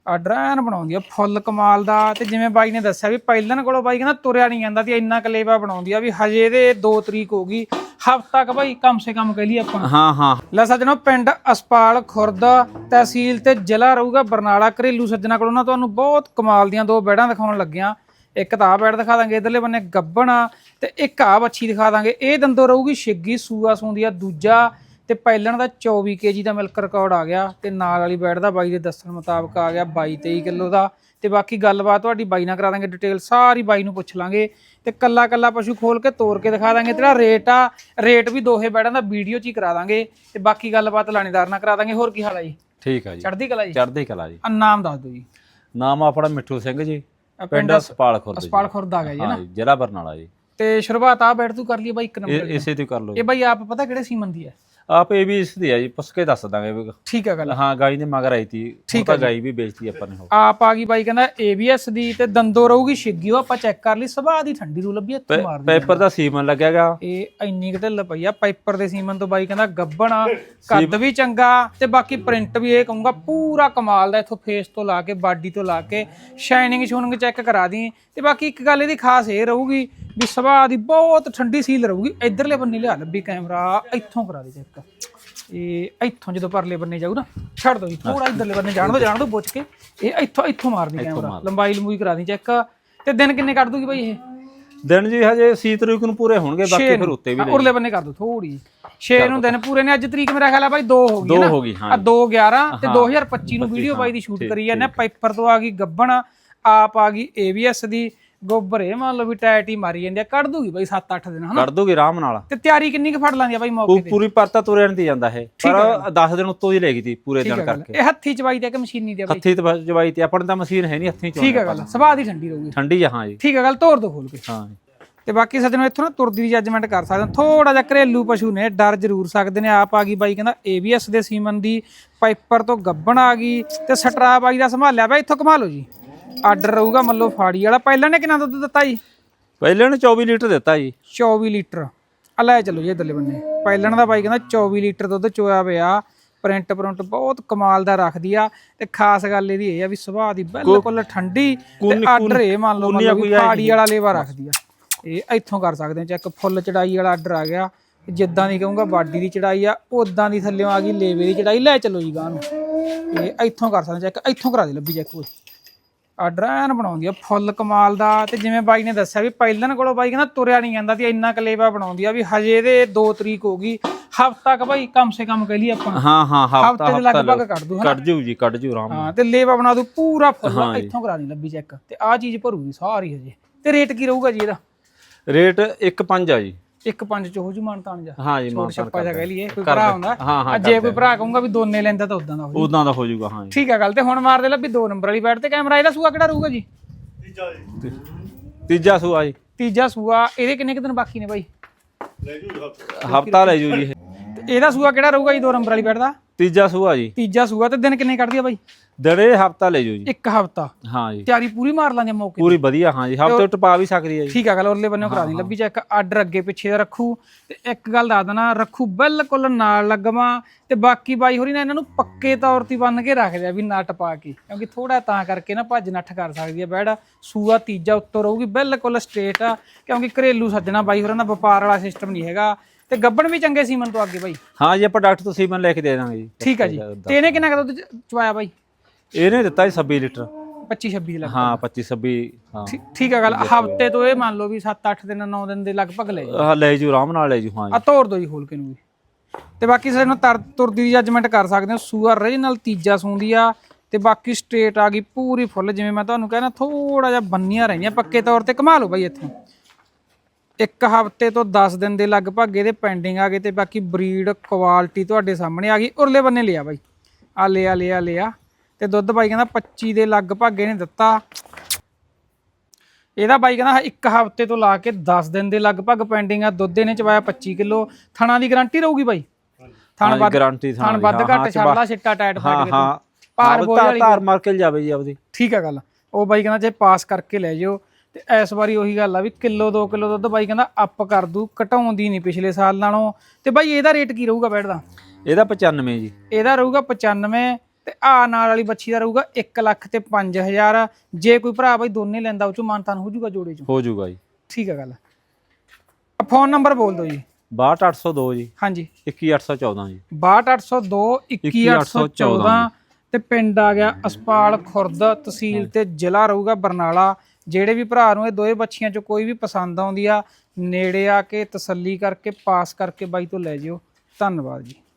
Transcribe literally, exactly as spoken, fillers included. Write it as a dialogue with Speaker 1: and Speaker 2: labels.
Speaker 1: Order ਐਨ ਬਣਾਉਂਦੀ ਆ ਫੁੱਲ ਕਮਾਲ ਦਾ। ਤੇ ਜਿਵੇਂ ਬਾਈ ਨੇ ਦੱਸਿਆ ਵੀ ਪਹਿਲਣ ਕੋਲੋਂ ਬਾਈ ਕਹਿੰਦਾ ਤੁਰਿਆ ਨਹੀਂ ਜਾਂਦਾ ਤੇ ਇੰਨਾ ਕਲੇਵਾ ਬਣਾਉਂਦੀ ਆ ਵੀ ਹਜੇ ਦੇ ਦੋ ਤਰੀਕ ਹੋ ਗਈ, ਹਫ਼ਤਾ ਕ ਬਾਈ ਕਮ ਸੇ ਕਮ ਕਹਿ ਲਈ ਆਪਾਂ।
Speaker 2: ਹਾਂ ਹਾਂ
Speaker 1: ਲੈ ਸੱਜਣੋ, ਪਿੰਡ ਅਸਪਾਲ ਖੁਰਦ, ਤਹਿਸੀਲ ਤੇ ਜ਼ਿਲ੍ਹਾ ਰਹੂਗਾ ਬਰਨਾਲਾ। ਘਰੇਲੂ ਸੱਜਣਾ ਕੋਲੋਂ ਨਾ ਤੁਹਾਨੂੰ ਬਹੁਤ ਕਮਾਲ ਦੀਆਂ ਦੋ ਬੈੜਾਂ ਦਿਖਾਉਣ ਲੱਗਿਆ। ਇੱਕ ਤਾਂ ਆ ਬੈੜ ਦਿਖਾ ਦਾਂਗੇ ਇਧਰਲੇ ਬੰਨੇ ਗੱਬਣਾ, ਤੇ ਇੱਕ ਆ ਬੱਚੀ ਦਿਖਾ ਦਾਂਗੇ। ਇਹ ਦੰਦੋਂ ਰਹੂਗੀ ਛਿੱਗੀ, ਸੂਆ ਸੂੰਦੀ ਆ ਦੂਜਾ, ਤੇ ਪਹਿਲਣ ਦਾ ਚੌਵੀ ਕੇ ਜੀ ਦਾ ਮਿਲਕ ਰਿਕਾਰਡ ਆ ਗਿਆ। ਤੇ ਨਾਲ ਵਾਲੀ ਬੈੜ ਦਾ ਬਾਈ ਦੇ ਦੱਸਣ ਮੁਤਾਬਕ ਆ ਗਿਆ ਬਾਈ ਤੇਈ ਕਿਲੋ ਦਾ। ਤੇ ਬਾਕੀ ਗੱਲਬਾਤ ਤੁਹਾਡੀ ਬਾਈ ਨਾਲ ਕਰਾ ਦਾਂਗੇ, ਡਿਟੇਲ ਸਾਰੀ ਬਾਈ ਨੂੰ ਪੁੱਛ ਲਾਂਗੇ। ਤੇ ਕੱਲਾ ਕੱਲਾ ਪਸ਼ੂ ਖੋਲ ਕੇ ਤੋੜ ਕੇ ਦਿਖਾ ਦਾਂਗੇ। ਤੇਰਾ ਰੇਟ ਆ ਰੇਟ ਵੀ ਦੋਹੇ ਬੈੜਾਂ ਦਾ ਵੀਡੀਓ 'ਚ ਹੀ ਕਰਾ ਦਾਂਗੇ। ਤੇ ਬਾਕੀ ਗੱਲਬਾਤ ਲਾਣੇਦਾਰ ਨਾਲ ਕਰਾ ਦਾਂਗੇ। ਹੋਰ ਕੀ ਹਾਲ ਆ ਜੀ?
Speaker 2: ਠੀਕ ਆ ਜੀ,
Speaker 1: ਚੜ੍ਹਦੀ ਕਲਾ ਜੀ।
Speaker 2: ਚੜ੍ਹਦੀ ਕਲਾ ਜੀ।
Speaker 1: ਆ ਨਾਮ ਦੱਸ ਦਿਓ ਜੀ।
Speaker 2: ਨਾਮ ਆਪਣਾ ਮਿੱਠੂ ਸਿੰਘ ਜੀ, ਪਿੰਡ ਅਸਪਾਲ ਖੁਰਦ।
Speaker 1: ਅਸਪਾਲ ਖੁਰਦ ਆ ਗਿਆ ਜੀ ਨਾ,
Speaker 2: ਜ਼ਿਲ੍ਹਾ ਬਰਨਾਲਾ ਜੀ।
Speaker 1: ਤੇ ਸ਼ੁਰੂਆਤ ਆ ਬੈਠ ਤੂੰ ਕਰ ਲਈ ਬਾਈ ਇੱਕ ਨੰਬਰ
Speaker 2: ਇਸੇ ਤੇ ਕਰ ਲਓ।
Speaker 1: ਇਹ ਬਾਈ ਆਪ ਪਤਾ ਕਿਹੜੇ ਸੀਮਨ ਦੀ ਹੈ?
Speaker 2: ਆਪ ਇਹ ਵੀ ਇਸ ਦੀ ਆ ਜੀ, ਪੁੱਛ ਕੇ ਦੱਸ ਦਾਂਗੇ।
Speaker 1: ਠੀਕ ਆ ਗੱਲ।
Speaker 2: ਹਾਂ ਗਾਈ ਦੇ ਮਗਰ ਆਈ ਤੀ, ਠੀਕ ਆ। ਗਾਈ ਵੀ ਵੇਚਤੀ ਆਪਾਂ ਨੇ।
Speaker 1: ਆਪ ਆ ਗਈ ਬਾਈ ਕਹਿੰਦਾ ਏਬੀਐਸ ਦੀ, ਤੇ ਦੰਦੋ ਰਹੂਗੀ ਛਿੱਗੀ। ਉਹ ਆਪਾਂ ਚੈੱਕ ਕਰ ਲਈ, ਸੁਭਾਅ ਦੀ ਠੰਡੀ ਰੂ ਲੱਭੀ, ਇੱਥੇ ਮਾਰਦੀ।
Speaker 2: ਪੈਪਰ ਦਾ ਸੀਮਨ ਲੱਗਿਆਗਾ।
Speaker 1: ਇਹ ਇੰਨੀ ਢਿੱਲ ਪਈ ਆ ਪਾਈਪਰ ਦੇ ਸੀਮਨ ਤੋਂ। ਬਾਈ ਕਹਿੰਦਾ ਗੱਬਣਾ, ਕੱਦ ਵੀ ਚੰਗਾ, ਤੇ ਬਾਕੀ ਪ੍ਰਿੰਟ ਵੀ ਇਹ ਕਹੂੰਗਾ ਪੂਰਾ ਕਮਾਲ ਦਾ। ਇਥੋਂ ਫੇਸ ਤੋਂ ਲਾ ਕੇ ਬਾਡੀ ਤੋਂ ਲਾ ਕੇ ਸ਼ਾਈਨਿੰਗ ਸ਼ੂਨਿੰਗ ਚੈੱਕ ਕਰਾ ਦੀ। ਤੇ ਬਾਕੀ ਇੱਕ ਗੱਲ ਇਹਦੀ ਖਾਸ ਇਹ ਰਹੂਗੀ ਵੀ ਸੁਭਾਅ ਦੀ ਬਹੁਤ ਠੰਡੀ ਸੀਲ ਰਹੂਗੀ। ਇਧਰਲੇ ਬੰਨੇ ਲਿਆ ਲੱਭੀ ਕੈਮਰਾ, ਇੱਥੋਂ ਕਰਾ ਦੇ ਚੈੱਕ। ਇਹ ਇੱਥੋਂ ਜਦੋਂ ਪਰਲੇ ਬੰਨੇ ਜਾਊ ਨਾ, ਛੱਡ ਦੋ ਜੀ ਥੋੜਾ ਇਧਰਲੇ ਬੰਨੇ ਜਾਣ ਦੋ ਜਾਣ ਦੋ ਪੁੱਛ ਕੇ। ਇਹ ਇੱਥੋਂ ਇੱਥੋਂ ਮਾਰਦੀ ਕੈਮਰਾ, ਲੰਬਾਈ ਲੰਬੂਈ ਕਰਾ ਦੀ ਚੈੱਕ। ਤੇ ਦਿਨ ਕਿੰਨੇ ਕੱਢ ਦੂਗੀ ਬਾਈ ਇਹ?
Speaker 2: ਦਿਨ ਜੀ ਹਜੇ ਛੇ ਤਰੀਕ ਨੂੰ ਪੂਰੇ ਹੋਣਗੇ, ਬਾਕੀ ਫਿਰ ਉੱਤੇ ਵੀ
Speaker 1: ਉਰਲੇ ਬੰਨੇ ਕਰ ਦੋ ਥੋੜੀ। ਛੇ ਨੂੰ ਦਿਨ ਪੂਰੇ ਨੇ। ਅੱਜ ਤਰੀਕ ਮੇਰਾ ਖਿਆਲ ਆ ਬਾਈ ਦੋ ਹੋ ਗਈ
Speaker 2: ਦੋ
Speaker 1: ਨਾ।
Speaker 2: ਹੋ ਗਈ ਹਾਂ।
Speaker 1: ਆ ਦੋ ਗਿਆਰਾਂ ਤੇ ਦੋ ਹਜ਼ਾਰ ਪੱਚੀ ਨੂੰ ਵੀਡੀਓ ਬਾਈ ਦੀ ਸ਼ੂਟ ਕਰੀ ਜਾਂਦੇ। ਪਾਈਪਰ ਤੋਂ ਆ ਗਈ ਗੱਬਣ, ਆਪ ਆ ਗਈ ਏਬੀਐਸ ਦੀ। ਗੋਬਰ ਇਹ ਮੰਨ ਲਓ ਵੀ ਟਾਇਟ ਹੀ ਮਾਰੀ ਜਾਂਦੀ ਆ। ਕੱਢ ਦੂਗੀ ਬਾਈ ਸੱਤ ਅੱਠ ਦਿਨ ਹਨਾ,
Speaker 2: ਕੱਢ ਦੂਗੀ ਆਰਾਮ ਨਾਲ।
Speaker 1: ਤੇ ਤਿਆਰੀ ਕਿੰਨੀ ਕੁ ਫੜ ਲਾਂਦੀ ਆ ਬਾਈ ਮੌਕੇ ਤੇ?
Speaker 2: ਪੂਰੀ ਪਰਤਾ ਤੁਰਿਆ ਨਹੀਂ ਜਾਂਦਾ ਇਹ, ਪਰ ਦਸ ਦਿਨ ਉੱਤੋਂ ਹੀ ਲੈ ਗਈ ਤੀ ਪੂਰੇ ਦਿਨ ਕਰਕੇ।
Speaker 1: ਇਹ ਹੱਥੀ ਚਵਾਈ ਤੇ ਕਿ ਮਸ਼ੀਨੀ ਤੇ ਬਾਈ?
Speaker 2: ਹੱਥੀ ਚਵਾਈ ਤੇ। ਆਪਣੇ ਤਾਂ ਮਸ਼ੀਨ ਹੈ ਨਹੀਂ, ਹੱਥੀ ਚਵਾਈ।
Speaker 1: ਠੀਕ ਆ ਗੱਲ। ਸੁਭਾਅ ਦੀ ਠੰਡੀ ਰਹੂਗੀ।
Speaker 2: ਠੰਡੀ ਆ ਹਾਂ ਜੀ।
Speaker 1: ਠੀਕ ਆ ਗੱਲ। ਤੋੜ ਦੋ ਖੋਲ ਕੇ।
Speaker 2: ਹਾਂ।
Speaker 1: ਤੇ ਬਾਕੀ ਸੱਜਣੋ ਇੱਥੋਂ ਨਾ ਤੁਰਦੀ ਦੀ ਜੱਜਮੈਂਟ ਕਰ ਸਕਦੇ ਹੋ। ਥੋੜਾ ਜਿਹਾ ਘਰੇਲੂ ਪਸ਼ੂ ਨੇ, ਡਰ ਜ਼ਰੂਰ ਸਕਦੇ ਨੇ। ਆਪ ਆ ਗਈ ਬਾਈ ਕਹਿੰਦਾ ਏਬੀਐਸ ਦੇ ਸੀਮਨ ਦੀ, ਪਾਈਪਰ ਤੋਂ ਗੱਬਣ ਆ ਗਈ, ਤੇ ਸਟਰਾ ਬਾਈ ਦਾ ਸੰਭਾਲਿਆ ਬਾਈ। ਇੱਥੋਂ ਕਮਾ ਲਓ ਜੀ। ਆਰਡਰ ਰਹੂਗਾ ਮੱਲੋ ਫਾੜੀ ਵਾਲਾ। ਪਹਿਲਾਂ ਨੇ ਕਿੰਨਾ ਦੁੱਧ ਦਿੱਤਾ ਜੀ?
Speaker 2: ਪਹਿਲਾਂ ਨੇ ਚੌਵੀ ਲੀਟਰ ਦਿੱਤਾ ਜੀ।
Speaker 1: ਚੌਵੀ ਲੀਟਰ ਆ ਲੈ ਚਲੋ ਜੀ ਇਧਰਲੇ ਬੰਨੇ। ਪਹਿਲਾਂ ਦਾ ਬਾਈ ਕਹਿੰਦਾ ਚੌਵੀ ਲੀਟਰ ਦੁੱਧ ਚੋਇਆ ਪਿਆ। ਪ੍ਰਿੰਟ ਪ੍ਰਿੰਟ ਬਹੁਤ ਕਮਾਲ ਦਾ ਰੱਖਦੀ ਆ। ਤੇ ਖਾਸ ਗੱਲ ਇਹਦੀ ਇਹ ਆ ਵੀ ਸੁਭਾਅ ਦੀ ਬਿਲਕੁਲ ਠੰਡੀ। ਤੇ ਆਰਡਰ ਇਹ ਮੰਨ ਲਓ ਫਾੜੀ ਵਾਲਾ ਲੇਵਾ ਰੱਖਦੀ ਆ। ਇਹ ਇੱਥੋਂ ਕਰ ਸਕਦੇ ਆ ਚੈੱਕ। ਫੁੱਲ ਚੜਾਈ ਵਾਲਾ ਆਰਡਰ ਆ ਗਿਆ। ਜਿੱਦਾਂ ਦੀ ਕਹੂੰਗਾ ਬਾਡੀ ਦੀ ਚੜਾਈ ਆ, ਉਦਾਂ ਦੀ ਥੱਲੇ ਆ ਗਈ ਲੇਵੇ ਦੀ ਚੜਾਈ। ਲੈ ਚਲੋ ਜੀ ਗਾਂ ਨੂੰ। ਇਹ ਇੱਥੋਂ ਕਰ ਸਕਦੇ ਚੈੱਕ। ਇੱਥੋਂ ਕਰਾ ਦੇ ਲੱਭੀ ਚੈੱਕ। ਕੋਈ ਆਰਡਰ ਐਨ ਬਣਾਉਂਦੀ ਆ ਫੁੱਲ ਕਮਾਲ ਦਾ। ਤੇ ਜਿਵੇਂ ਬਾਈ ਨੇ ਦੱਸਿਆ ਵੀ ਪਹਿਲਣ ਕੋਲੋਂ ਬਾਈ ਕਹਿੰਦਾ ਤੁਰਿਆ ਨਹੀਂ ਜਾਂਦਾ ਤੇ ਇੰਨਾ ਕਲੇਵਾ ਬਣਾਉਂਦੀ ਆ ਵੀ ਹਜੇ ਦੇ ਦੋ ਤਰੀਕ ਹੋ ਗਈ, ਹਫ਼ਤਾ ਕ ਬਾਈ ਕਮ ਸੇ ਕਮ ਕਹਿ ਲਈ ਆਪਾਂ।
Speaker 2: ਹਾਂ ਹਾਂ
Speaker 1: ਹਫ਼ਤੇ ਦੇ ਲਗਭਗ ਕੱਢ ਦੂ।
Speaker 2: ਕੱਢ ਜੂ ਜੀ, ਕੱਢ ਜੂ ਆਰਾਮ।
Speaker 1: ਹਾਂ ਤੇ ਲੇਵਾ ਬਣਾ ਦੂ ਪੂਰਾ ਫੁੱਲ। ਇੱਥੋਂ ਕਰਾ ਦੀ ਲੱਭੀ ਚੈੱਕ। ਤੇ ਆਹ ਚੀਜ਼ ਭਰੂਗੀ ਸਾਰੀ ਹਜੇ। ਤੇ ਰੇਟ ਕੀ ਰਹੂਗਾ ਜੀ ਇਹਦਾ?
Speaker 2: ਰੇਟ ਇੱਕ ਪੰਜ ਆ ਜੀ।
Speaker 1: ਇੱਕ ਪੰਜ ਚ ਹੋ ਜੂ ਮਾਨਤਾਨ ਜਾ?
Speaker 2: ਹਾਂ ਜੀ,
Speaker 1: ਛੋਟ ਛੱਪਾ ਜਾ ਕਹਿ ਲਈਏ। ਕੋਈ ਭਰਾ ਹੁੰਦਾ ਜੇ ਕੋਈ ਭਰਾ ਕਹੂੰਗਾ ਵੀ ਦੋਨੇ ਲੈਂਦਾ ਤਾਂ ਉਦਾਂ ਦਾ ਹੋ ਜੂ,
Speaker 2: ਉਦਾਂ ਦਾ ਹੋ ਜੂਗਾ। ਹਾਂ
Speaker 1: ਠੀਕ ਆ ਗੱਲ। ਤੇ ਹੁਣ ਮਾਰ ਦੇ ਲੱਭੀ ਦੋ ਨੰਬਰ ਵਾਲੀ ਬੈਠ ਤੇ ਕੈਮਰਾ। ਇਹਦਾ ਸੂਆ ਕਿਹੜਾ ਰਹੂਗਾ ਜੀ?
Speaker 2: ਤੀਜਾ ਸੂਆ ਜੀ।
Speaker 1: ਤੀਜਾ ਸੂਆ। ਇਹਦੇ ਕਿੰਨੇ ਕੁ ਦਿਨ ਬਾਕੀ ਨੇ ਬਾਈ?
Speaker 2: ਹਫਤਾ ਲੈ ਜੂ ਜੀ।
Speaker 1: ਇਹਦਾ ਸੂਆ ਕਿਹੜਾ ਰਹੂਗਾ ਜੀ ਦੋ ਨੰਬਰ ਵਾਲੀ ਬੈਠ ਦਾ?
Speaker 2: ਤੀਜਾ ਸੂਆ ਜੀ।
Speaker 1: ਤੀਜਾ ਸੂਆ। ਤੇ ਦਿਨ ਕਿੰਨੇ ਕੱਢਦੀ ਆ ਬਾਈ?
Speaker 2: ਦਿਨੇ ਹਫਤਾ ਲੈ ਜੂ ਜੀ।
Speaker 1: ਇੱਕ ਹਫਤਾ।
Speaker 2: ਹਾਂ ਜੀ।
Speaker 1: ਤਿਆਰੀ ਪੂਰੀ ਮਾਰ ਲਾਂਗੇ ਮੌਕੇ
Speaker 2: ਪੂਰੀ ਵਧੀਆ। ਹਾਂ ਜੀ, ਹਫਤੇ ਟਪਾ ਵੀ ਸਕਦੀ ਹੈ ਜੀ।
Speaker 1: ਠੀਕ ਆ ਗੱਲ। ਉਰਲੇ ਬੰਨੇ ਕਰਾ ਦੀ ਲੱਭੀ ਚੈੱਕ। ਆਰਡਰ ਅੱਗੇ ਪਿੱਛੇ ਦਾ ਰੱਖੂ। ਤੇ ਇੱਕ ਗੱਲ ਦੱਸ ਦੇਣਾ, ਰੱਖੂ ਬਿਲਕੁਲ ਨਾਲ ਲੱਗਵਾ। ਤੇ ਬਾਕੀ ਬਾਈ ਹੋਰੀ ਨਾ ਇਹਨਾਂ ਨੂੰ ਪੱਕੇ ਤੌਰ ਤੇ ਬੰਨ ਕੇ ਰੱਖਦੇ ਆ ਵੀ ਨੱਟ ਪਾ ਕੇ, ਕਿਉਂਕਿ ਥੋੜਾ ਤਾਂ ਕਰਕੇ ਨਾ ਭੱਜ ਨੱਠ ਕਰ ਸਕਦੀ ਆ ਬੈੜ। ਸੂਆ ਤੀਜਾ ਉੱਤੋਂ ਰਹੂਗੀ ਬਿਲਕੁਲ ਸਟ੍ਰੇਟ ਆ, ਕਿਉਂਕਿ ਘਰੇਲੂ ਸੱਜਣਾ ਬਾਈ ਹੋਰਾਂ ਦਾ ਵਪਾਰ ਵਾਲਾ ਸਿਸਟਮ ਨਹੀਂ ਹੈਗਾ। ਤੇ ਗੱਬਣ ਵੀ ਚੰਗੇ ਸੀਮਨ ਤੋਂ ਅੱਗੇ ਬਾਈ।
Speaker 2: ਹਾਂ ਜੀ, ਆਪਾਂ ਡਾਕਟਰ ਤੋਂ ਸੀਮਨ ਲੈ ਕੇ ਦੇ ਦਾਂਗੇ ਜੀ।
Speaker 1: ਠੀਕ ਆ ਜੀ। ਤੇ ਇਹਨੇ ਕਿੰਨਾ ਕੁ ਦੁੱਧ ਚਵਾਇਆ ਬਾਈ?
Speaker 2: ਇਹਨੇ ਦਿੱਤਾ ਜੀ ਛੱਬੀ ਲੀਟਰ।
Speaker 1: ਪੱਚੀ ਛੱਬੀ ਲੱਗ।
Speaker 2: ਹਾਂ ਪੱਚੀ ਛੱਬੀ। ਹਾਂ
Speaker 1: ਠੀਕ ਆ ਗੱਲ। ਹਫਤੇ ਤੋਂ ਇਹ ਮੰਨ ਲਓ ਵੀ ਸੱਤ ਅੱਠ ਦਿਨ ਨੌ ਦਿਨ ਦੇ ਲਗਭਗ ਲੈ
Speaker 2: ਹਾਂ ਲੈ ਜੂ ਆਰਾਮ ਨਾਲ ਲੈ ਜੂ। ਹਾਂ
Speaker 1: ਆ ਤੋੜ ਦੋ ਜੀ ਖੋਲ ਕੇ ਨੂੰ ਵੀ। ਤੇ ਬਾਕੀ ਸਾਨੂੰ ਤਰ ਤੁਰਦੀ ਦੀ ਜੱਜਮੈਂਟ ਕਰ ਸਕਦੇ ਹੋ। ਸੂਆ ਰੀਜਨਲ ਤੀਜਾ ਸੂੰਦੀ ਆ। ਤੇ ਬਾਕੀ ਸਟ੍ਰੇਟ ਆ ਗਈ ਪੂਰੀ ਫੁੱਲ। ਜਿਵੇਂ ਮੈਂ ਤੁਹਾਨੂੰ ਕਹਿਣਾ ਥੋੜਾ ਜਿਹਾ ਬੰਨੀਆਂ ਰਹੀਆਂ ਪੱਕੇ ਤੌਰ ਤੇ। ਕਮਾ ਲਓ ਬਾਈ ਇੱਥੋਂ। ਇੱਕ ਹਫ਼ਤੇ ਤੋਂ ਦਸ ਦਿਨ ਦੇ ਲਗਭਗ ਇਹਦੇ ਪੈਂਡਿੰਗ ਆ ਗਏ। ਤੇ ਬਾਕੀ ਬਰੀਡ ਕੁਆਲਿਟੀ ਤੁਹਾਡੇ ਸਾਹਮਣੇ ਆ ਗਈ। ਉਰਲੇ ਬੰਨੇ ਲਿਆ ਬਾਈ। ਆ ਲਿਆ ਲਿਆ ਲਿਆ। ਤੇ ਦੁੱਧ ਬਾਈ ਕਹਿੰਦਾ ਪੱਚੀ ਦੇ ਲਗਭਗ ਇਹਨੇ ਦਿੱਤਾ। ਇਹਦਾ ਬਾਈ ਕਹਿੰਦਾ ਇੱਕ ਹਫ਼ਤੇ ਤੋਂ ਲਾ ਕੇ ਦਸ ਦਿਨ ਦੇ ਲਗਭਗ ਪੈਂਡਿੰਗ ਆ। ਦੁੱਧ ਇਹਨੇ ਚਵਾਇਆ ਪੱਚੀ ਕਿਲੋ। ਥਣਾ ਦੀ ਗਾਰੰਟੀ ਰਹੂਗੀ ਬਾਈ? ਥਣ ਵੱਧ
Speaker 2: ਗਾਰੰਟੀ।
Speaker 1: ਥਣ ਵੱਧ ਘੱਟ ਛੱਡਲਾ ਛਿੱਟਾ ਟਾਈਟ ਫੜ ਕੇ।
Speaker 2: ਹਾਂ
Speaker 1: ਪਾਰ ਬੋਲ ਵਾਲੀ
Speaker 2: ਧਾਰ ਮਾਰ ਕੇ ਜਾਵੇ ਜੀ ਆਪਦੀ।
Speaker 1: ਠੀਕ ਆ ਗੱਲ। ਉਹ ਬਾਈ ਕਹਿੰਦਾ ਜੇ ਪਾਸ ਕਰਕੇ ਲੈ ਜਾਓ। ਤੇ ਇਸ ਵਾਰੀ ਉਹੀ ਗੱਲ ਆ ਵੀ ਕਿਲੋ ਦੋ ਕਿਲੋ ਦੁੱਧ ਬਾਈ ਕਹਿੰਦਾ ਅੱਪ ਕਰ ਦੂ, ਘਟਾਉਂਦੀ ਨਹੀਂ ਪਿਛਲੇ ਸਾਲ ਨਾਲੋਂ। ਤੇ ਬਾਈ ਇਹਦਾ ਰੇਟ ਕੀ ਰਹੂਗਾ ਬੈਠ ਦਾ?
Speaker 2: ਇਹਦਾ ਪਚਾਨਵੇਂ ਜੀ।
Speaker 1: ਇਹਦਾ ਰਹੂਗਾ ਪਚਾਨਵੇਂ। ਤੇ ਆ ਨਾਲ ਵਾਲੀ ਬੱਚੀ ਦਾ ਰਹੂਗਾ ਇੱਕ ਲੱਖ ਤੇ ਪੰਜ ਹਜ਼ਾਰ। ਜੇ ਕੋਈ ਭਰਾ ਬਾਈ ਦੋਨੇ ਲੈਂਦਾ ਉਹ ਚੋਂ ਮਾਨਤਾਨ ਹੋ ਜਾਊਗਾ ਜੋੜੇ ਚੋਂ?
Speaker 2: ਹੋ ਜਾਊਗਾ ਜੀ।
Speaker 1: ਠੀਕ ਹੈ ਗੱਲ। ਫੋਨ ਨੰਬਰ ਬੋਲ ਦਿਓ ਜੀ।
Speaker 2: ਬਾਹਠ ਅੱਠ ਸੌ ਦੋ ਜੀ
Speaker 1: ਹਾਂਜੀ
Speaker 2: ਇੱਕੀ ਅੱਠ ਸੌ ਚੌਦਾਂ ਜੀ।
Speaker 1: ਬਾਹਠ ਅੱਠ ਸੌ ਦੋ ਇੱਕੀ ਅੱਠ ਸੌ ਚੌਦਾਂ ਤੇ ਪਿੰਡ ਆ ਗਿਆ ਅਸਪਾਲ ਖੁਰਦ, ਤਹਿਸੀਲ ਤੇ ਜ਼ਿਲ੍ਹਾ ਰਹੂਗਾ ਬਰਨਾਲਾ। ਜਿਹੜੇ ਵੀ ਭਰਾ ਨੂੰ ਇਹ ਦੋਏ ਬੱਚੀਆਂ ਚੋਂ ਕੋਈ ਵੀ ਪਸੰਦ ਆਉਂਦੀ ਆ ਨੇੜੇ ਆ ਕੇ ਤਸੱਲੀ ਕਰਕੇ ਪਾਸ ਕਰਕੇ ਬਾਈ ਤੋਂ ਲੈ ਜਿਓ। ਧੰਨਵਾਦ ਜੀ।